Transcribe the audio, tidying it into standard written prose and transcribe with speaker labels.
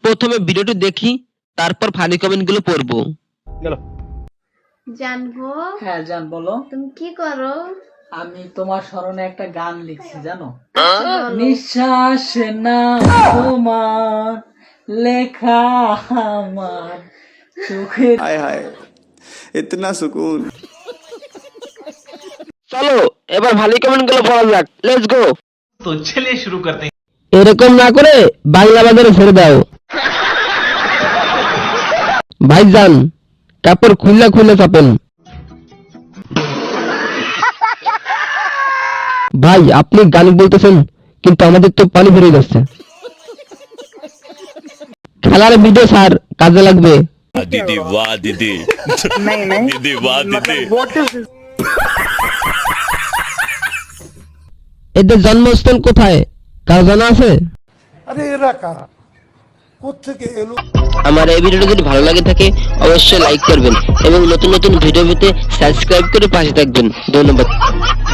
Speaker 1: প্রথমে ভিডিওটি দেখি, তারপর ফানি কমেন্টগুলো পড়বো।
Speaker 2: জানবো।
Speaker 3: হ্যাঁ জান বলো।
Speaker 2: তুমি কি করো?
Speaker 3: আমি তোমার স্মরণে একটা গান লিখছি জানো।
Speaker 2: বলো।
Speaker 3: নিঃশ্বাস না তোমার লেখা আমার চোখের।
Speaker 4: हाय हाय इतना सुकून।
Speaker 1: চলো এবার ফানি কমেন্টগুলো পড়া যাক, লেটস গো।
Speaker 5: तो चलिए शुरू करते हैं।
Speaker 1: এরকম না করে বাংলা বাজারে ছেড়ে দাও ভাইজান, কাপড় খুলে খুলে চাপেন। ভাই আপনি গান বলতেছেন, কিন্তু আমাদের তো পানি ভরে যাচ্ছে। খেলার ভিডিও স্যার, কাজে লাগবে।
Speaker 6: दीदी वाह दीदी दीदी वाह दीदी।
Speaker 1: এদের জন্মস্থল কোথায়, কার জানা আছে? আমার এই ভিডিওটি যদি ভালো লাগে থাকে অবশ্যই লাইক করবেন এবং নতুন নতুন ভিডিও পেতে সাবস্ক্রাইব করে পাশে থাকবেন। ধন্যবাদ।